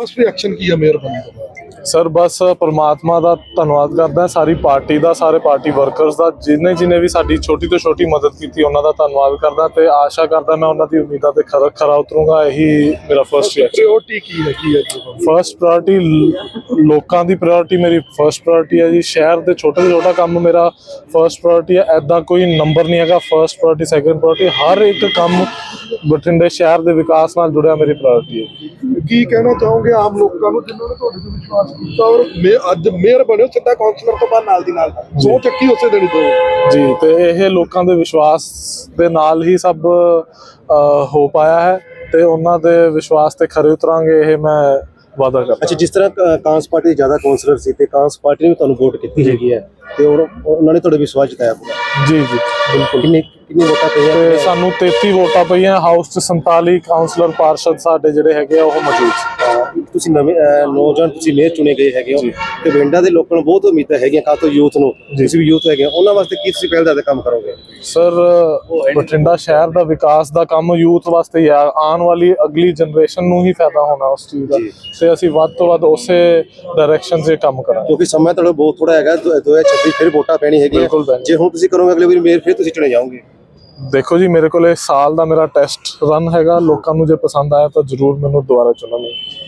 First reaction ਕੀ ਹੈ mayor ਬਣਨ ਤੋਂ ਬਾਅਦ? ਸਰ ਬਸ ਪਰਮਾਤਮਾ ਦਾ ਧੰਨਵਾਦ ਕਰਦਾ, ਸਾਰੀ ਪਾਰਟੀ ਦਾ, ਸਾਰੇ ਪਾਰਟੀ ਵਰਕਰਸ ਦਾ, ਜਿਹਨੇ ਵੀ ਸਾਡੀ ਛੋਟੀ ਤੋਂ ਛੋਟੀ ਮਦਦ ਕੀਤੀ ਉਹਨਾਂ ਦਾ ਧੰਨਵਾਦ ਕਰਦਾ ਤੇ ਆਸ਼ਾ ਕਰਦਾ ਮੈਂ ਉਹਨਾਂ ਦੀ ਉਮੀਦਾਂ ਤੇ ਖਰਾ ਉਤਰੂੰਗਾ। ਇਹੀ ਮੇਰਾ ਫਸਟ ਰਿਐਕਸ਼ਨ। ਪ੍ਰਾਇੋਰਟੀ ਕੀ ਹੈ ਫਸਟ ਪ੍ਰਾਇੋਰਟੀ ਲੋਕਾਂ ਦੀ ਪ੍ਰਾਇੋਰਟੀ ਮੇਰੀ ਫਸਟ ਪ੍ਰਾਇੋਰਟੀ ਹੈ ਜੀ। ਸ਼ਹਿਰ ਦੇ ਛੋਟੇ ਤੋਂ ਛੋਟਾ ਕੰਮ ਮੇਰਾ ਫਸਟ ਪ੍ਰਾਇੋਰਟੀ ਹੈ। ਐਦਾਂ ਕੋਈ ਨੰਬਰ ਨਹੀਂ ਹੈਗਾ ਫਸਟ ਪ੍ਰਾਇੋਰਟੀ ਸੈਕੰਡ ਪ੍ਰਾਇੋਰਟੀ, ਹਰ ਇੱਕ ਕੰਮ ਬਠਿੰਡੇ ਸ਼ਹਿਰ ਦੇ ਵਿਕਾਸ ਨਾਲ ਜੁੜਿਆ ਮੇਰੀ ਪ੍ਰਾਇੋਰਟੀ ਹੈ। ਕੀ ਕਹਿਣਾ ਚਾਹੋਗੇ ਆਮ ਲੋਕਾਂ ਨੂੰ ਜਿਨ੍ਹਾਂ ਨੇ ਤੁਹਾਡੇ ਤੇ ਵਿਸ਼ਵਾਸ ਕੀਤਾ ਔਰ ਅੱਜ ਮੇਅਰ ਬਣਿਓ, ਸਿੱਧਾ ਕਾਉਂਸਲਰ ਤੋਂ ਬਾਅਦ ਨਾਲ ਦੀ ਨਾਲ ਸਹੁੰ ਚੱਕੀ ਉਸੇ ਦਿਨ ਤੋਂ ਜੀ? ਤੇ ਇਹ ਲੋਕਾਂ ਦੇ ਵਿਸ਼ਵਾਸ ਦੇ ਨਾਲ ਹੀ ਸਭ ਹੋ ਪਾਇਆ ਹੈ ਤੇ ਉਹਨਾਂ ਦੇ ਵਿਸ਼ਵਾਸ ਤੇ ਖਰੇ ਉਤਰਾਂਗੇ, ਇਹ ਮੈਂ ਵਾਅਦਾ ਕਰਦਾ। ਅੱਛਾ, ਜਿਸ ਤਰ੍ਹਾਂ ਕਾਂਗਰਸ ਪਾਰਟੀ ਦੇ ਜ਼ਿਆਦਾ ਕਾਉਂਸਲਰ ਸੀ ਤੇ ਕਾਂਗਰਸ ਪਾਰਟੀ ਨੇ ਵੀ ਤੁਹਾਨੂੰ ਵੋਟ ਕੀਤੀ ਹੈਗੀ ਹੈ ਤੇ ਉਹਨਾਂ ਨੇ ਤੁਹਾਡੇ ਵਿਸ਼ਵਾਸ ਜਤਾਇਆ ਪੂਰਾ? ਜੀ ਜੀ ਬਿਲਕੁਲ। ਕਿੰਨੀ ਵੋਟਾਂ ਪਈਆਂ? ਤੇ ਸਾਨੂੰ 33 ਵੋਟਾਂ ਪਈਆਂ। ਹਾਊਸ 'ਚ 47 ਕਾਉਂਸਲਰ ਪਾਰਸ਼ਦ ਸਾਡੇ ਜਿਹੜੇ ਹੈਗੇ ਆ ਉਹ ਮੌਜੂਦ ਸੀ। ਤੁਸੀਂ ਨਵੇਂ ਨੌਜਵਾਨ ਤੁਸੀਂ ਮੇਅਰ ਚੁਣੇ ਗਏ ਹੈਗੇ ਹੋ ਤੇ ਬਠਿੰਡਾ ਦੇ ਲੋਕਾਂ ਨੂੰ ਬਹੁਤ ਉਮੀਦਾਂ ਹੈਗੀਆਂ, ਖਾਸ ਤੌਰ ਯੂਥ ਨੂੰ, ਤੁਸੀਂ ਵੀ ਯੂਥ ਹੈਗੇ, ਉਹਨਾਂ ਵਾਸਤੇ ਕੀ ਤੁਸੀਂ ਪਹਿਲ ਦਾ ਕੰਮ ਕਰੋਗੇ? ਸਰ ਬਠਿੰਡਾ ਸ਼ਹਿਰ ਦਾ ਵਿਕਾਸ ਦਾ ਕੰਮ ਯੂਥ ਵਾਸਤੇ ਹੀ ਆ। ਆਉਣ ਵਾਲੀ ਅਗਲੀ ਜਨਰੇਸ਼ਨ ਨੂੰ ਹੀ ਫਾਇਦਾ ਹੋਣਾ ਉਸ ਚੀਜ਼ ਦਾ, ਤੇ ਅਸੀਂ ਵੱਧ ਤੋਂ ਵੱਧ ਉਸੇ ਡਾਇਰੈਕਸ਼ਨ 'ਚ ਕੰਮ ਕਰਾਂਗੇ। ਕਿਉਂਕਿ ਸਮਾਂ ਤੁਹਾਡਾ ਬਹੁਤ ਥੋੜਾ ਹੈਗਾ, 2026 ਫਿਰ ਵੋਟਾਂ ਪੈਣੀ ਹੈਗੀ। ਜੇ ਹੁਣ ਤੁਸੀਂ ਕਰੋਗੇ ਅਗਲੇ ਵਾਰੀ ਮੇਅਰ ਫਿਰ ਤੁਸੀਂ ਚੁਣੇ ਜਾਓਗੇ? ਦੇਖੋ ਜੀ, ਮੇਰੇ ਕੋਲ ਸਾਲ ਦਾ ਮੇਰਾ ਟੈਸਟ ਰਨ ਹੈਗਾ। ਲੋਕਾਂ ਨੂੰ ਜੇ ਪਸੰਦ ਆਇਆ ਤਾਂ ਜ਼ਰੂਰ ਮੈਨੂੰ ਦੁਬਾਰਾ ਚੁਣਨਗੇ।